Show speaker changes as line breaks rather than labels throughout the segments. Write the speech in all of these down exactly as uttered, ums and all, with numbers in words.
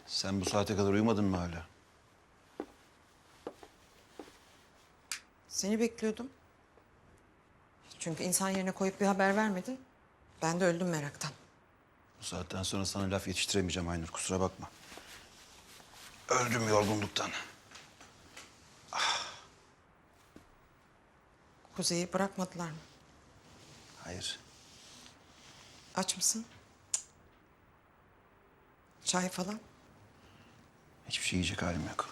Sen bu saate kadar uyumadın mı hala?
Seni bekliyordum. Çünkü insan yerine koyup bir haber vermedin. Ben de öldüm meraktan.
Bu saatten sonra sana laf yetiştiremeyeceğim Aynur, kusura bakma. Öldüm yorgunluktan.
Kuzey'i bırakmadılar mı?
Hayır.
Aç mısın? Cık. Çay falan?
Hiçbir şey yiyecek halim yok.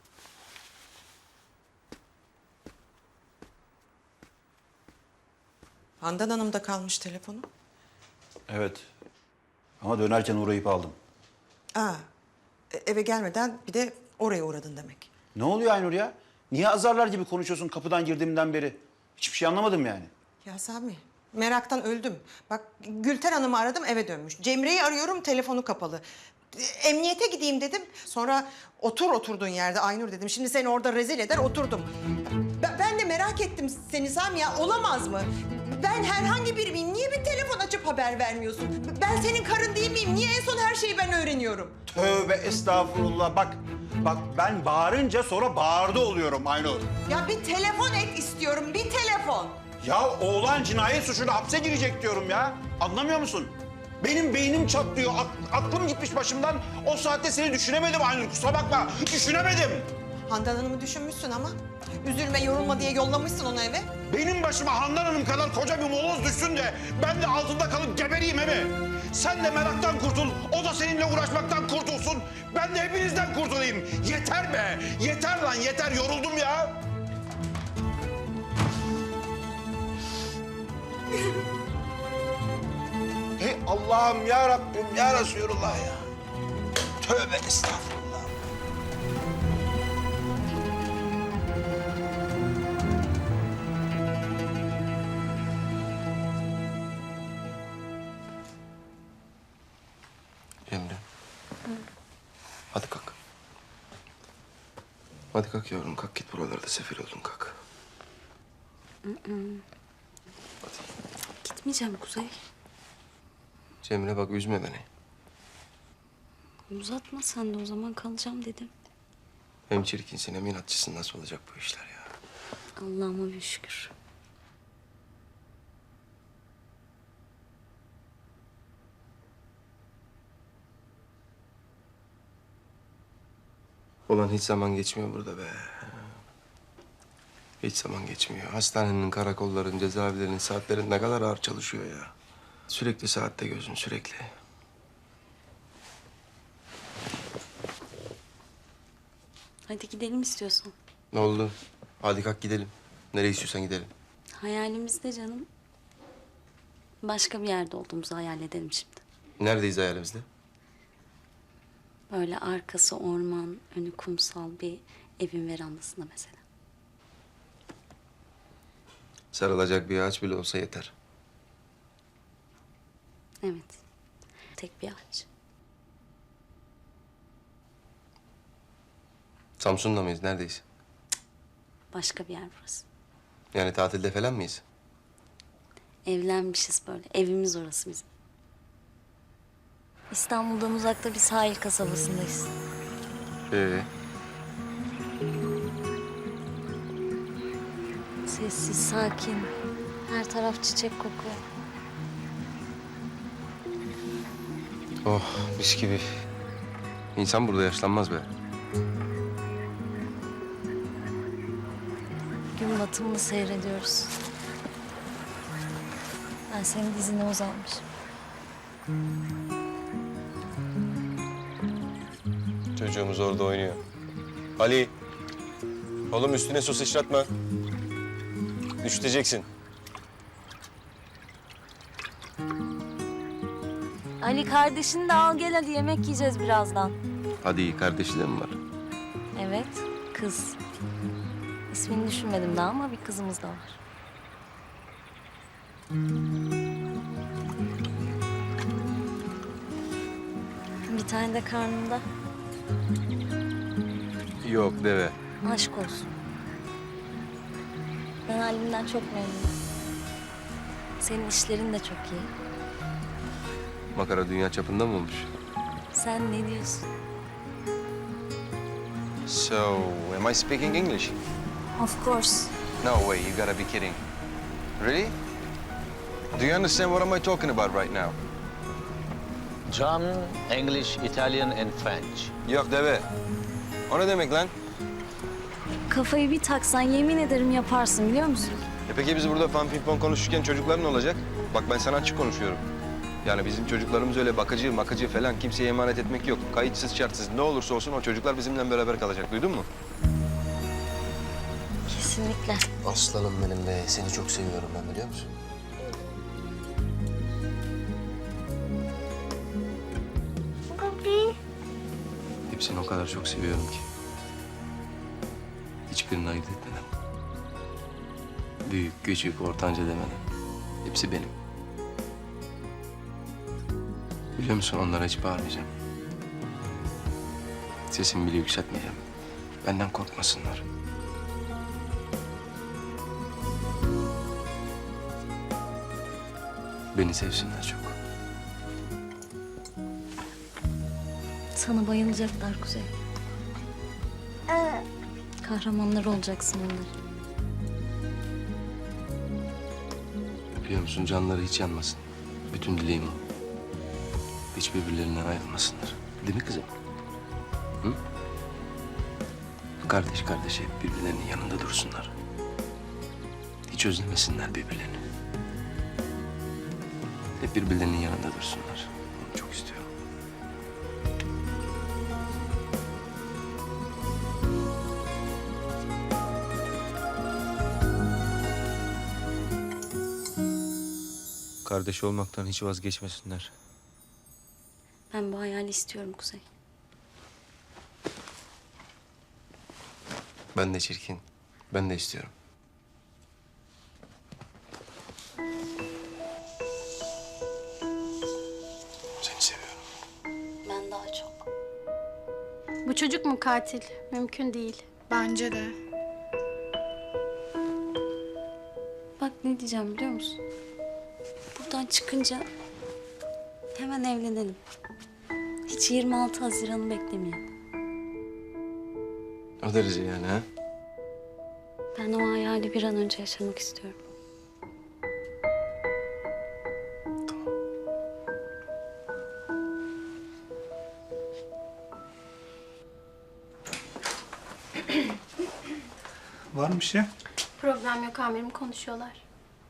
Handan Hanım'da kalmış telefonu.
Evet. Ama dönerken uğrayıp aldım.
Aa, e- eve gelmeden bir de oraya uğradın demek.
Ne oluyor Aynur ya? Niye azarlar gibi konuşuyorsun kapıdan girdiğimden beri? Hiçbir şey anlamadım yani.
Ya Sami, meraktan öldüm. Bak Gülter Hanım'ı aradım eve dönmüş. Cemre'yi arıyorum telefonu kapalı. E, Emniyete gideyim dedim. Sonra otur oturduğun yerde Aynur dedim. Şimdi seni orada rezil eder oturdum. Ben, ben de merak ettim seni Sami ya olamaz mı? Ben herhangi biri miyim? Niye bir telefon açıp haber vermiyorsun? Ben senin karın değil miyim? Niye en son her şeyi ben öğreniyorum?
Tövbe estağfurullah. Bak, bak ben bağırınca sonra bağırdı oluyorum Aynur.
Ya bir telefon et istiyorum, bir telefon.
Ya oğlan cinayet suçuyla hapse girecek diyorum ya. Anlamıyor musun? Benim beynim çatlıyor. Ak- aklım gitmiş başımdan. O saatte seni düşünemedim Aynur. Kusura bakma. Düşünemedim.
Handan Hanım'ı düşünmüşsün ama. Üzülme, yorulma diye yollamışsın onu eve.
Benim başıma Handan Hanım kadar koca bir moloz düşsün de ben de altında kalıp gebereyim he mi? Sen de meraktan kurtul, o da seninle uğraşmaktan kurtulsun. Ben de hepinizden kurtulayım. Yeter be, yeter lan yeter. Yoruldum ya. Hey Allah'ım ya Rabbim ya Resulullah ya. Tövbe estağfurullah.
Cemre. Hadi kalk. Hadi kalk yavrum kalk git buralarda sefil oldun kalk. Hadi.
Gitmeyeceğim Kuzey.
Cemre bak üzme beni.
Uzatma sen de o zaman kalacağım dedim.
Hem çirkinsin hem inatçısın nasıl olacak bu işler ya?
Allah'ıma bir şükür.
Ulan hiç zaman geçmiyor burada be. Hiç zaman geçmiyor. Hastanenin, karakolların, cezaevlerinin saatlerin ne kadar ağır çalışıyor ya. Sürekli saatte gözün sürekli.
Hadi gidelim istiyorsan.
Ne oldu? Hadi kalk gidelim. Nereye istiyorsan gidelim.
Hayalimizde canım. Başka bir yerde olduğumuzu hayal edelim şimdi.
Neredeyiz hayalimizde?
Böyle arkası orman, önü kumsal bir evin verandasında mesela.
Sarılacak bir ağaç bile olsa yeter.
Evet. Tek bir ağaç.
Samsun'da mıyız? Neredeyiz?
Başka bir yer burası.
Yani tatilde falan mıyız?
Evlenmişiz böyle. Evimiz orası bizim. İstanbul'dan uzakta bir sahil kasabasındayız.
Ee,
Sessiz, sakin. Her taraf çiçek kokuyor.
oh mis gibi. İnsan burada yaşlanmaz be.
Gün batımını seyrediyoruz. Ben senin dizine uzanmışım.
Çocuğumuz orada oynuyor. Ali, oğlum üstüne su sıçratma. Üşüteceksin.
Ali kardeşini de al gel hadi yemek yiyeceğiz birazdan.
Hadi iyi kardeşi de mi var?
Evet, kız. İsmini düşünmedim daha ama bir kızımız da var. Bir tane de karnında.
Yok deve.
Aşk olsun. Ben halimden çok memnunum. Senin işlerin de çok iyi.
Makara dünya çapında mı olmuş?
Sen ne diyorsun?
So, am I speaking English?
Of course.
No way, you gotta be kidding. Really? Do you understand what am I talking about right now?
German, English, Italian, and French.
Yok deve. O ne demek lan?
Kafayı bir taksan yemin ederim yaparsın biliyor musun?
E peki biz burada fan pimpon konuşurken çocuklar ne olacak? Bak ben sana açık konuşuyorum. Yani bizim çocuklarımız öyle bakıcı, makıcı falan kimseye emanet etmek yok. Kayıtsız şartsız ne olursa olsun o çocuklar bizimle beraber kalacak. Duydun mu?
Kesinlikle.
Aslanım benim be. Seni çok seviyorum ben, biliyor musun?
Hepsini o kadar çok seviyorum ki. Hiçbirini ayırt etmeden. Büyük, küçük, ortanca demeden. Hepsi benim. Biliyor musun onlara hiç bağırmayacağım. Sesimi bile yükseltmeyeceğim. Benden korkmasınlar. Beni sevsinler çok.
Sana bayılacaklar Kuzey. Kahramanlar olacaksın onların.
Biliyor musun canları hiç yanmasın. Bütün dileğim o. Hiç birbirlerinden ayrılmasınlar. Değil mi kızım? Hı? Kardeş kardeşe hep birbirlerinin yanında dursunlar. Hiç özlemesinler birbirlerini. Hep birbirlerinin yanında dursunlar. Onu çok istiyorum.
Kardeş olmaktan hiç vazgeçmesinler.
Ben bu hayali istiyorum Kuzey.
Ben de çirkin. Ben de istiyorum. Seni seviyorum.
Ben daha çok.
Bu çocuk mu katil? Mümkün değil.
Bence de.
Bak ne diyeceğim biliyor musun? Buradan çıkınca hemen evlenelim. Hiç yirmi altı Haziran'ı beklemeyelim.
O derece yani ha?
Ben o hayali bir an önce yaşamak istiyorum.
Var mı bir şey?
Problem yok amirim, konuşuyorlar.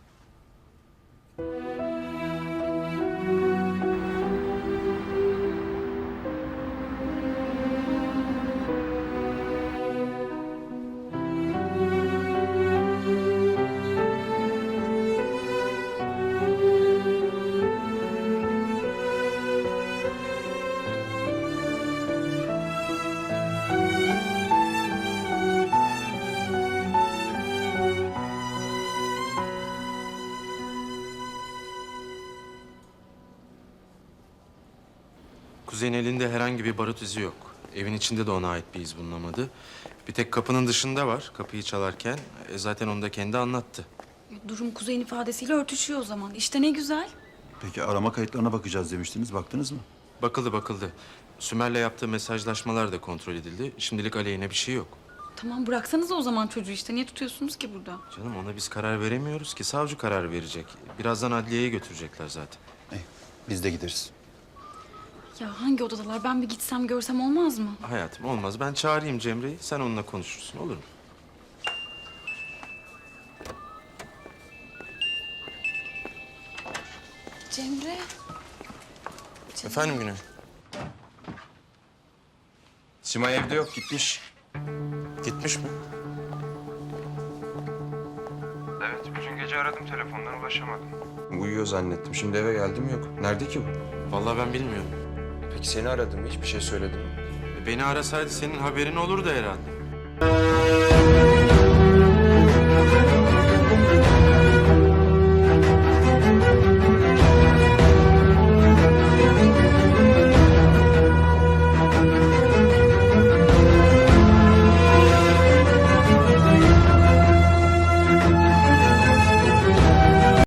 Kuzey'in elinde herhangi bir barut izi yok. Evin içinde de ona ait bir iz bulunamadı. Bir tek kapının dışında var kapıyı çalarken. E, zaten onu da kendi anlattı.
Durum Kuzey'in ifadesiyle örtüşüyor o zaman. İşte ne güzel.
Peki arama kayıtlarına bakacağız demiştiniz. Baktınız mı?
Bakıldı bakıldı. Sümer'le yaptığı mesajlaşmalar da kontrol edildi. Şimdilik aleyhine bir şey yok.
Tamam bıraksanıza o zaman çocuğu işte. Niye tutuyorsunuz ki burada?
Canım ona biz karar veremiyoruz ki. Savcı karar verecek. Birazdan adliyeye götürecekler zaten.
İyi, biz de gideriz.
Ya hangi odadalar? Ben bir gitsem görsem olmaz mı?
Hayatım olmaz. Ben çağırayım Cemre'yi. Sen onunla konuşursun. Olur mu?
Cemre.
Efendim Güney?
Simay evde yok, gitmiş.
Gitmiş mi?
Evet, bütün gece aradım telefondan ulaşamadım. Uyuyor zannettim. Şimdi eve geldim yok. Nerede ki bu?
Vallahi ben bilmiyorum.
Peki seni aradım, hiçbir şey söyledim mi?
Beni arasaydı senin haberin olurdu herhalde.